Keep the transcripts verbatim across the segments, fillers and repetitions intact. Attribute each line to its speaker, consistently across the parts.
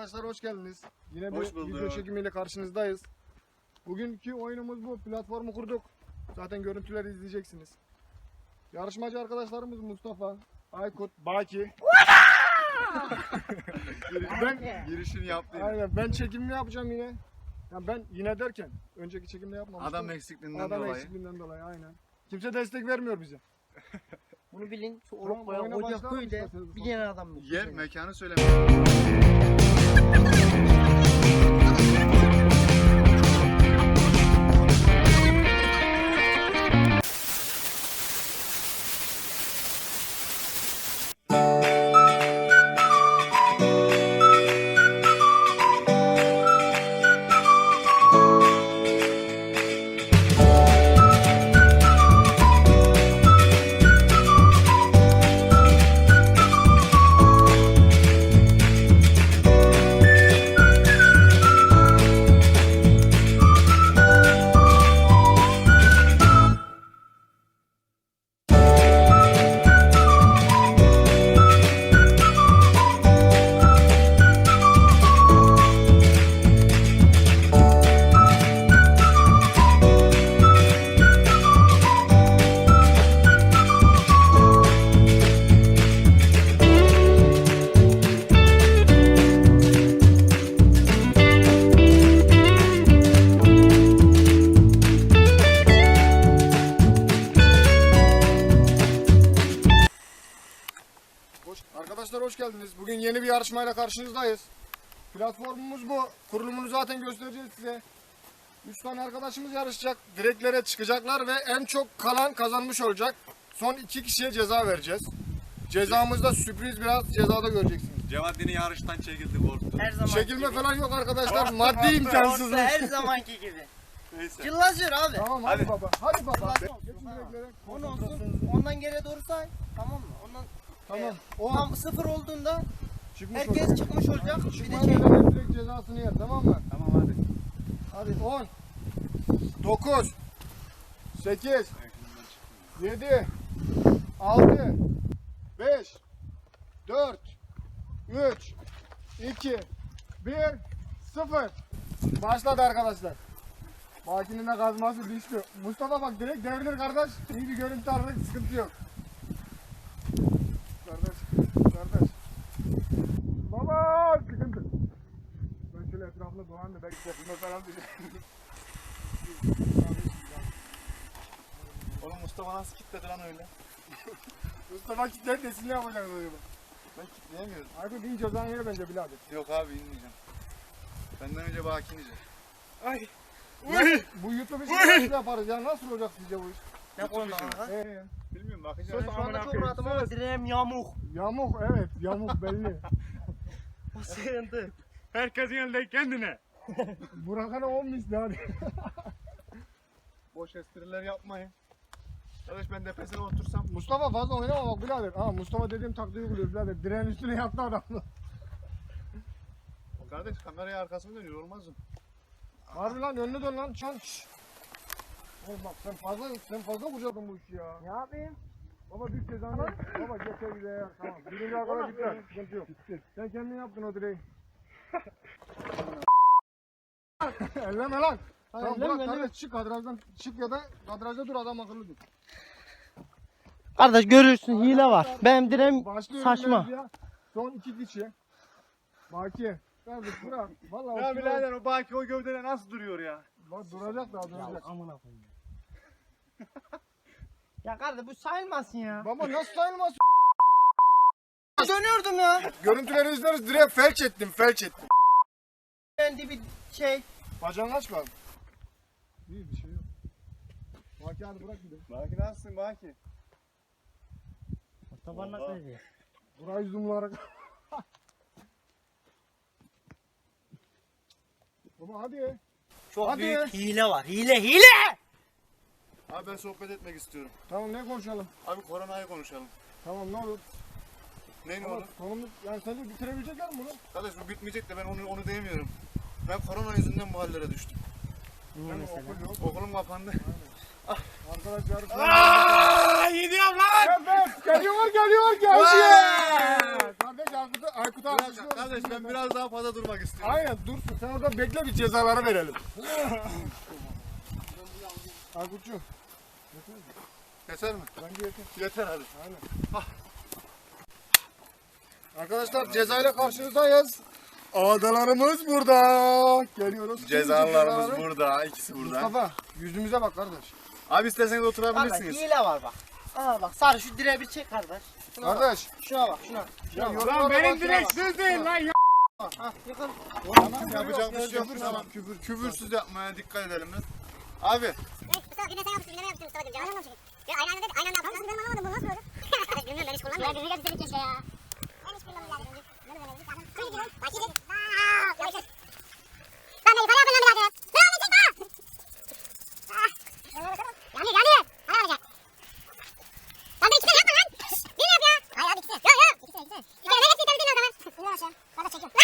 Speaker 1: arkadaşlar, hoş geldiniz. Yine
Speaker 2: Hoş
Speaker 1: bir
Speaker 2: bulduk.
Speaker 1: video çekimiyle karşınızdayız. Bugünkü oyunumuz bu. Platformu kurduk. Zaten görüntüleri izleyeceksiniz. Yarışmacı arkadaşlarımız Mustafa, Aykut, Baki. ben
Speaker 2: Girişini yaptı.
Speaker 1: aynen ben çekimimi yapacağım yine. Yani ben yine derken önceki çekimde yapmamıştım.
Speaker 2: Adam eksikliğinden
Speaker 1: Adam
Speaker 2: dolayı.
Speaker 1: eksikliğinden dolayı aynen. Kimse destek vermiyor bize.
Speaker 3: Bunu bilin, şu
Speaker 1: Tamam,
Speaker 3: Oropo'ya
Speaker 1: oyuna
Speaker 3: Ocak
Speaker 1: başlayalım
Speaker 3: köyde
Speaker 1: isterseniz.
Speaker 3: bir tane adam yok.
Speaker 2: Yer mekanı söyleme.
Speaker 1: Hoş, arkadaşlar hoş geldiniz. Bugün yeni bir yarışmayla karşınızdayız. Platformumuz bu. Kurulumunu zaten göstereceğiz size. Üç tane arkadaşımız yarışacak. Direklere çıkacaklar ve en çok kalan kazanmış olacak. Son iki kişiye ceza vereceğiz. Cezamızda sürpriz, biraz cezada göreceksiniz.
Speaker 2: Cevaddin'i yarıştan çekildi korktu.
Speaker 3: Her zaman
Speaker 1: Çekilme
Speaker 3: gibi.
Speaker 1: falan yok arkadaşlar.
Speaker 2: Orta,
Speaker 1: Maddi
Speaker 2: orta,
Speaker 1: imkansızlık.
Speaker 3: Orta her zamanki gibi.
Speaker 2: Neyse.
Speaker 3: Cıllasıyor abi.
Speaker 1: Tamam hadi,
Speaker 2: Hadi.
Speaker 1: baba. Hadi baba.
Speaker 3: Cıllasın olsun,
Speaker 1: Geçin
Speaker 3: ha.
Speaker 1: direklere.
Speaker 3: On olsun. Ondan geriye doğru say. Tamam mı? Ondan
Speaker 1: Tamam.
Speaker 3: e,
Speaker 1: On.
Speaker 3: tam sıfır olduğunda
Speaker 1: Çıkmış
Speaker 3: herkes
Speaker 1: olacak.
Speaker 3: çıkmış olacak. Bir de
Speaker 1: Çıkmayan
Speaker 3: şey.
Speaker 1: eleman direkt cezasını yer, tamam mı?
Speaker 2: Tamam hadi.
Speaker 1: Hadi on, dokuz, sekiz, yedi, altı, beş, dört, üç, iki, bir, sıfır. Başladı arkadaşlar. Baki'nin de kazması düştü. Mustafa bak direkt devrilir kardeş. İyi bir görüntü aradık, sıkıntı yok. Kardeş, kardeş. Baba sıkıntı. Ben şöyle etrafında dolan da belki tepime falan düşerim.
Speaker 2: Oğlum Mustafa nasıl kilitledi lan öyle?
Speaker 1: Mustafa kitler desin ne yapacaksın acaba?
Speaker 2: Ben kilitleyemiyorum.
Speaker 1: Aykut in cezan yeri bence birader.
Speaker 2: Yok abi inmeyeceğim. Benden önce Baki inecek.
Speaker 1: Ay. Ya, bu YouTube işini nasıl yaparız ya? Nasıl olacak sizce bu iş?
Speaker 3: Ne konuda kanka?
Speaker 1: Ee,
Speaker 2: Bilmiyorum bakacağım.
Speaker 3: Ben şu anda çok rahatım ama direğim yamuk.
Speaker 1: yamuk evet yamuk belli.
Speaker 3: O sıkıntı.
Speaker 2: Herkesin elinde kendine.
Speaker 1: Burak'a ne olmuş hadi.
Speaker 2: Boş espriler yapmayın. Arkadaş ben tepesine otursam.
Speaker 1: Mustafa fazla oynama bak birader. Ha Mustafa dediğim taktiği uyguluyor birader. Direğin üstüne yattı adam.
Speaker 2: Kardeş kameraya arkasına dönüyor olmaz mı?
Speaker 1: Harbi lan önüne dön lan çan. Oğlum bak sen fazla sen fazla kucadın bu işi ya.
Speaker 3: Ne yapayım?
Speaker 1: Baba düş cezanı. Baba geçer bize ya. Tamam. Birinci arkadaş gitti. Sıkıntı yok. Sen kendin yaptın o direği. Elleme lan. Tamam
Speaker 3: elleme,
Speaker 1: bırak
Speaker 3: elleme.
Speaker 1: kardeş çık kadrajdan çık ya da kadrajda dur adam akıllı dur.
Speaker 3: Kardeş görürsün hile var. Benim direğim
Speaker 1: Başlıyoruz
Speaker 3: saçma.
Speaker 1: mevzuya. Son iki kişi. Baki. Kardeş bırak. Vallahi
Speaker 2: Ya
Speaker 1: o kilo-
Speaker 2: birader o Baki o gövdede nasıl duruyor ya?
Speaker 1: Bak duracak daha duracak.
Speaker 3: Amına koyayım. Ya kardeş bu sayılmasın ya.
Speaker 1: Baba nasıl sayılmaz?
Speaker 3: Dönüyordum ya.
Speaker 1: Görüntüleri izleriz direkt felç ettim felç ettim.
Speaker 3: Ben de bir şey.
Speaker 1: Bacağını aç bak. İyi bir şey yok. Baki hadi bırak bir de.
Speaker 2: Baki nasılsın Baki?
Speaker 3: Mustafa nasıl ediyor?
Speaker 1: Burayı zoomlayarak. Baba hadi.
Speaker 3: Çok
Speaker 1: Hadi.
Speaker 3: büyük hile var. Hile hile.
Speaker 2: Abi ben sohbet etmek istiyorum.
Speaker 1: Tamam ne konuşalım?
Speaker 2: Abi koronayı konuşalım.
Speaker 1: Tamam ne olur.
Speaker 2: Neyin
Speaker 1: Ama
Speaker 2: olur?
Speaker 1: konumuz yani sence bitirebilecekler mi bunu?
Speaker 2: Kardeş bu bitmeyecek de ben onu onu diyemiyorum. Ben korona yüzünden bu hallere düştüm.
Speaker 3: Niye
Speaker 1: Hem
Speaker 3: mesela?
Speaker 1: okul yok.
Speaker 2: Okulum kapandı.
Speaker 1: Arkadaşlar.
Speaker 2: Aaa gidiyorum lan!
Speaker 1: Evet geliyor geliyor geliyor. Kardeş Aykut, Aykut daha
Speaker 2: Biraz,
Speaker 1: düşüyoruz.
Speaker 2: kardeş ben biraz daha fazla durmak istiyorum.
Speaker 1: Aynen dursun. Sen orada bekle, bir cezaları verelim. Aykut'cum.
Speaker 2: Yeter mi?
Speaker 1: Bence yeter.
Speaker 2: Yeter hadi.
Speaker 1: Aynen. Arkadaşlar cezayla karşınızdayız. Ağdalarımız burada. Geliyoruz.
Speaker 2: Cezalarımız
Speaker 1: Cezaları.
Speaker 2: burada. ikisi burada.
Speaker 1: Mustafa yüzümüze bak kardeş.
Speaker 2: Abi isterseniz
Speaker 3: Kardeş
Speaker 2: oturabilirsiniz.
Speaker 3: hile var bak. Aa bak sarı şu direğe bir çek kardeş. Şuna bak.
Speaker 1: Kardeş.
Speaker 3: Şuna bak şuna. Şuna
Speaker 1: Ya
Speaker 3: bak.
Speaker 1: yorumlara
Speaker 4: Lan benim
Speaker 1: bak
Speaker 4: direkt
Speaker 1: ya.
Speaker 4: söz değil lan ya.
Speaker 3: Ha yıkıl.
Speaker 2: Tamam yapacak bir şey yok.
Speaker 1: Küfür,
Speaker 2: Tamam küfür, küfürsüz yapmaya dikkat edelim biz. Abi
Speaker 5: Mustafa güne sen yapmışsın, güne yapmışsın Mustafa'cığım. Canım anlamamışım. Ya aynı anda aynı anda yapalım. Ben anlamadım, bu nasıl olacak? Bilmiyorum, ben hiç kullanmıyorum. Ya düzgün bir keşke ya. Ben hiç kullanmıyorum. Ne böyle bir tane? Kırı gibi. Başlayalım. Aaa! Yavaş. Lan beni para yapın lan birader. Lan beni çekme! Ah! Yanıyor, yanıyor. Para alacak. Lan ben iki tane yapma lan. Bir yap ya. Hayır abi ikisi. Yok yok. İkisi, ikisi. Bir tane hepsini temizleyin o zaman. İndir aşağı. Ben de çekiyorum.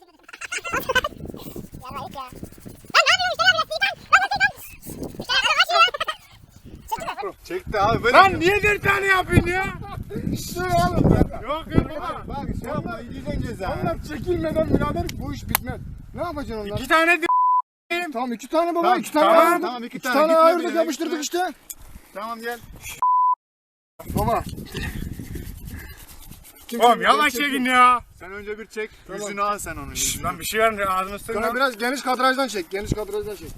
Speaker 5: Yarayıp ya. Lan ne yapıyorsun? İşte ya biraz sıyıp lan. Lan sıyıp lan. İşte ya kaç ya. Çekti mi?
Speaker 2: çekti abi böyle.
Speaker 4: Lan niye bir tane yapıyorsun ya?
Speaker 1: İşte oğlum.
Speaker 4: Yok yok.
Speaker 1: Bak bak şey yapma.
Speaker 2: Yiyeceksin ceza.
Speaker 1: Onlar çekilmeden birader bu iş bitmez. Ne yapacaksın onlar?
Speaker 4: İki tane de
Speaker 1: Tamam iki tane baba,
Speaker 2: Tamam,
Speaker 1: iki tane
Speaker 4: tamam,
Speaker 1: ayırdık.
Speaker 2: tamam, iki
Speaker 1: iki
Speaker 2: tane.
Speaker 1: tane
Speaker 2: Gitme
Speaker 1: ayırdık,
Speaker 2: bile,
Speaker 1: yapıştırdık
Speaker 2: gitme.
Speaker 1: işte.
Speaker 2: Tamam gel.
Speaker 1: Baba. Kim
Speaker 4: Oğlum
Speaker 1: çekiyor?
Speaker 4: yavaş
Speaker 1: Kim çekiyor?
Speaker 4: çekin ya.
Speaker 2: Sen önce bir çek. Yüzünü al sen onun. Yüzünü.
Speaker 4: Lan bir şey var mı ağzını
Speaker 1: Sana
Speaker 4: sıkma.
Speaker 1: biraz geniş kadrajdan çek, geniş kadrajdan çek.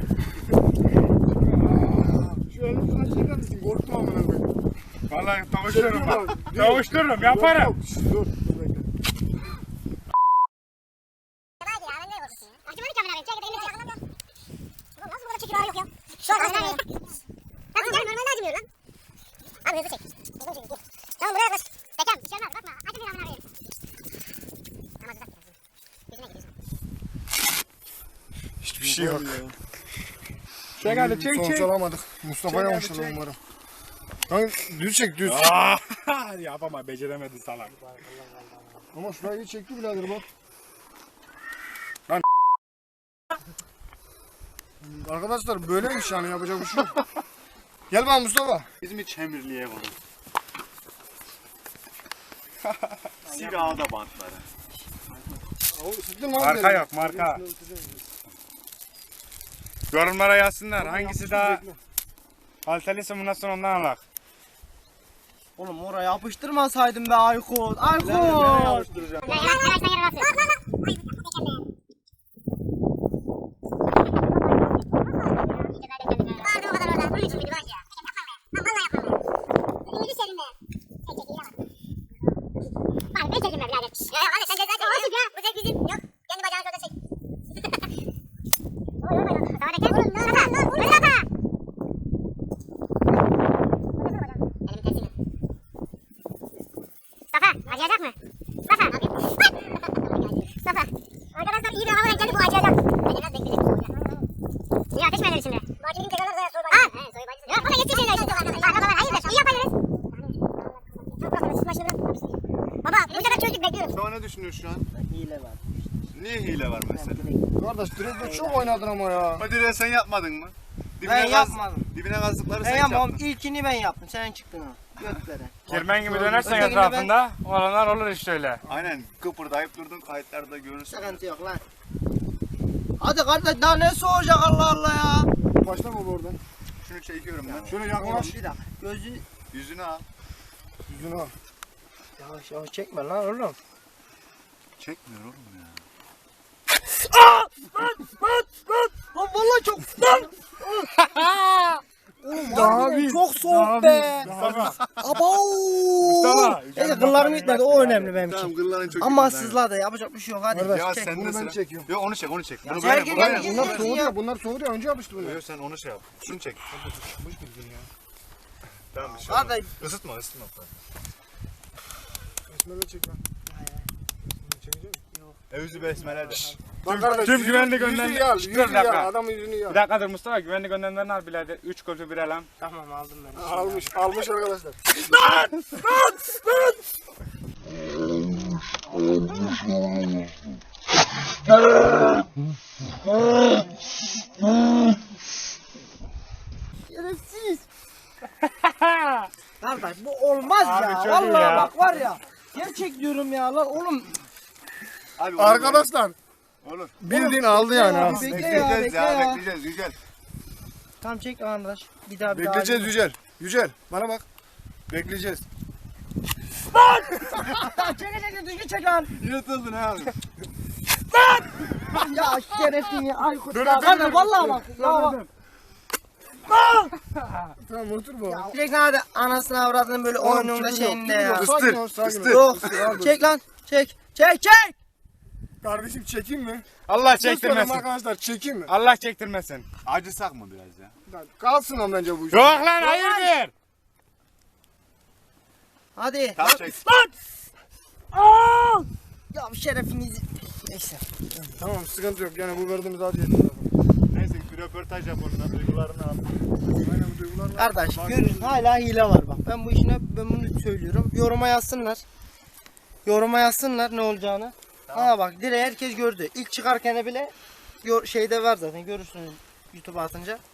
Speaker 1: Şu elini şuna çeker misin? Korktum amına koyayım.
Speaker 4: Vallahi tavuştururum bak.
Speaker 1: Dur.
Speaker 4: Tavuştururum yaparım.
Speaker 1: Yok, yok. Şşş, Dur, dur bekle.
Speaker 5: Hadi ya ben nereye korkuyorsun ya? Acımadık ya beraber. Çek de elini çek. Ulan nasıl burada çekim ağrı yok ya? Şu an aslan ya. Nasıl yani normalde acımıyor lan. Abi hızlı çek. Hızlı çek. Dur. Tamam buraya yaklaş. Bekam bir şey olmaz bakma. Acı bir amına koyayım. Tamam uzak. Yüzüne gir yüzüne.
Speaker 4: Hiçbir şey yok. Çek hadi çek
Speaker 1: Sonuç
Speaker 4: çek.
Speaker 1: alamadık. Mustafa'ya
Speaker 4: Çek,
Speaker 1: almışlar
Speaker 4: hadi çek.
Speaker 1: umarım. Lan düz çek düz.
Speaker 4: Aa, yapama beceremedi salak.
Speaker 1: Ama şurayı iyi çekti birader bak.
Speaker 4: Lan.
Speaker 1: Arkadaşlar böyleymiş yani, yapacak bir şey yok. Gel bana Mustafa.
Speaker 2: Bizim hiç Çemirli'ye var. Silahda bantları.
Speaker 1: Sıktın lan
Speaker 4: Marka
Speaker 1: beni.
Speaker 4: yok, marka. Yorumlara yazsınlar hangisi daha kaliteliyse bundan sonra ondan alak.
Speaker 3: Oğlum oraya yapıştırmasaydım be Aykut. Aykut.
Speaker 5: Ya yavaş yavaş yavaş yavaş. Bak bak bak. Ay Vardı o kadar orada. Bunun için miydi bak ya? Lan vallahi yapmam ben. Elini düşerim be. Çek çek iyi bak. Bak ben çekeyim be birader. Ya ya hadi sen ceza çek. Olsun ya. Bu zevk bizim. Yok. Kendi bacağını orada çek. Oy oy oy. Daha da gel. Oğlum ne yapar? Ne yapar? Elimin tersine. Mustafa acıyacak mı? Mustafa. Mustafa. Arkadaşlar iyi bir hava geldi, bu acıyacak. Beni biraz bekleyecek. Niye ateş mi eder içinde? Bakayım tekrarlar da soy bacısı. Ha, soy bacısı. Yok, o da yetişir şeyler işte. Arkadaşlar hayırdır, iyi yaparız. Çok bakalım, siz başını bırakın. Baba, bu sefer çözdük, bekliyoruz.
Speaker 2: Şu an ne düşünüyorsun şu an?
Speaker 3: Hile var.
Speaker 2: Niye hile var mesela?
Speaker 1: Kardeş direkte çok oynadın ama ya.
Speaker 2: O direği sen yapmadın mı?
Speaker 3: Ben
Speaker 2: gaz-
Speaker 3: yapmadım.
Speaker 2: Dibine kazdıkları
Speaker 3: Ben
Speaker 2: sen
Speaker 3: yapmam.
Speaker 2: yaptın.
Speaker 3: İlkini ben yaptım. Sen çıktın ha. Götlere.
Speaker 4: Kirmen gibi dönersen
Speaker 3: Ötekini
Speaker 4: etrafında olanlar olur işte öyle.
Speaker 2: Aynen kıpırdayıp durdun, kayıtlarda görürsün.
Speaker 3: Sıkıntı yok lan. Hadi kardeş daha ne soğuyacak Allah Allah ya.
Speaker 1: Başlama baba oradan.
Speaker 2: Şunu çekiyorum ben.
Speaker 1: Şöyle
Speaker 3: Yavaş
Speaker 1: yaklaş.
Speaker 3: bir dakika. Gözünü
Speaker 2: Yüzünü al.
Speaker 1: Yüzünü al.
Speaker 3: yavaş yavaş çekme lan oğlum.
Speaker 2: Çekmiyor oğlum ya.
Speaker 3: Lan vallahi çok lan. Oğlum
Speaker 1: Daha
Speaker 3: harbiden
Speaker 1: bir-
Speaker 3: çok
Speaker 1: daha
Speaker 3: soğuk
Speaker 1: bir-
Speaker 3: be.
Speaker 4: Mustafa.
Speaker 3: Abo.
Speaker 4: Mustafa.
Speaker 3: Neyse kıllarım gitmedi o önemli benim
Speaker 2: Tamam
Speaker 3: için.
Speaker 2: kılların çok
Speaker 3: Ama
Speaker 2: güzel.
Speaker 3: sızladı yapacak bir şey yok hadi.
Speaker 1: Kardeş,
Speaker 2: Ya
Speaker 3: çek.
Speaker 2: sen
Speaker 1: bunu
Speaker 2: de
Speaker 1: ben
Speaker 2: sıra.
Speaker 1: çekiyorum.
Speaker 2: Yok onu çek onu çek. Bunu
Speaker 3: gel,
Speaker 2: böyle
Speaker 3: gel,
Speaker 2: bunu
Speaker 3: gel,
Speaker 2: böyle.
Speaker 3: gel.
Speaker 1: Bunlar
Speaker 3: ya.
Speaker 1: soğuruyor, bunlar soğuruyor. Önce yapıştı bunu.
Speaker 2: Yok sen onu şey yap. Şunu çek. Tamam bir şey
Speaker 3: Hadi.
Speaker 2: olmaz. Isıtma ısıtma.
Speaker 1: Besmele çek lan. Çekecek misin?
Speaker 2: Evzi besmele de.
Speaker 1: Bak kardeş,
Speaker 4: tüm
Speaker 1: yüzü-
Speaker 4: güvenlik
Speaker 1: yüzünü
Speaker 4: önlemleri-
Speaker 1: yal,
Speaker 4: Dur,
Speaker 1: yüzünü
Speaker 4: bir dakika.
Speaker 1: yal, adamın yüzünü yal.
Speaker 4: Bir dakikadır Mustafa güvenlik önlemlerini al birader. Üç kötü bir elem.
Speaker 3: Tamam aldım ben.
Speaker 1: Almış, almış arkadaşlar.
Speaker 3: Şerefsiz. Kardeş bu olmaz
Speaker 4: Abi
Speaker 3: ya.
Speaker 4: çok iyi
Speaker 3: Vallahi
Speaker 4: ya.
Speaker 3: bak var ya. Gerçek diyorum ya lan oğlum.
Speaker 2: Abi, olur,
Speaker 1: Arkadaşlar
Speaker 2: Olur. olur.
Speaker 1: bildiğin aldı yani.
Speaker 3: ya,
Speaker 1: ha.
Speaker 3: bekle ya,
Speaker 2: Bekleyeceğiz
Speaker 3: bekle
Speaker 2: ya,
Speaker 3: ya.
Speaker 2: bekleyeceğiz Yücel.
Speaker 3: Tamam çek arkadaş. Bir daha bir daha.
Speaker 1: Bekleyeceğiz Yücel. Yücel bana bak. Bekleyeceğiz.
Speaker 3: Çek çek düzgün çek lan.
Speaker 2: Yırtıldın ha abi.
Speaker 3: Ya şerefin ya. Aykut
Speaker 1: Dur,
Speaker 3: ya.
Speaker 1: dur,
Speaker 3: Kardeş
Speaker 1: dur.
Speaker 3: vallahi bak. Ya bak.
Speaker 1: Tamam otur bu.
Speaker 3: Direkt hadi anasını avradını böyle
Speaker 1: Oğlum,
Speaker 3: oyununda
Speaker 1: küfür yok,
Speaker 3: şeyinde
Speaker 1: küfür
Speaker 3: ya.
Speaker 1: yok. Sakin ol, sakin ol.
Speaker 2: ıstır.
Speaker 3: Yok.
Speaker 1: Al dur.
Speaker 3: Çek lan. Çek. Çek çek.
Speaker 1: Kardeşim çekeyim mi?
Speaker 4: Allah
Speaker 1: Söz veriyorum
Speaker 4: çektirmesin.
Speaker 1: arkadaşlar çekeyim mi?
Speaker 4: Allah çektirmesin.
Speaker 2: Acısak mı biraz ya?
Speaker 1: Kalsın o bence bu iş.
Speaker 4: Yok lan hayırdır?
Speaker 3: Hadi.
Speaker 2: Tamam çek.
Speaker 3: Ya şerefinizi. Neyse.
Speaker 1: Tamam sıkıntı yok yani bu verdiğimiz acı.
Speaker 2: Neyse bir röportaj yap ondan duygularını al.
Speaker 1: Aynen bu duygularla.
Speaker 3: Kardeş görün hala hile var bak. Ben bu işine ben bunu söylüyorum. Yoruma yazsınlar. Yoruma yazsınlar ne olacağını. Aa bak dire herkes gördü. İlk çıkarken de bile yor- şeyde var zaten görürsünüz YouTube'a atınca.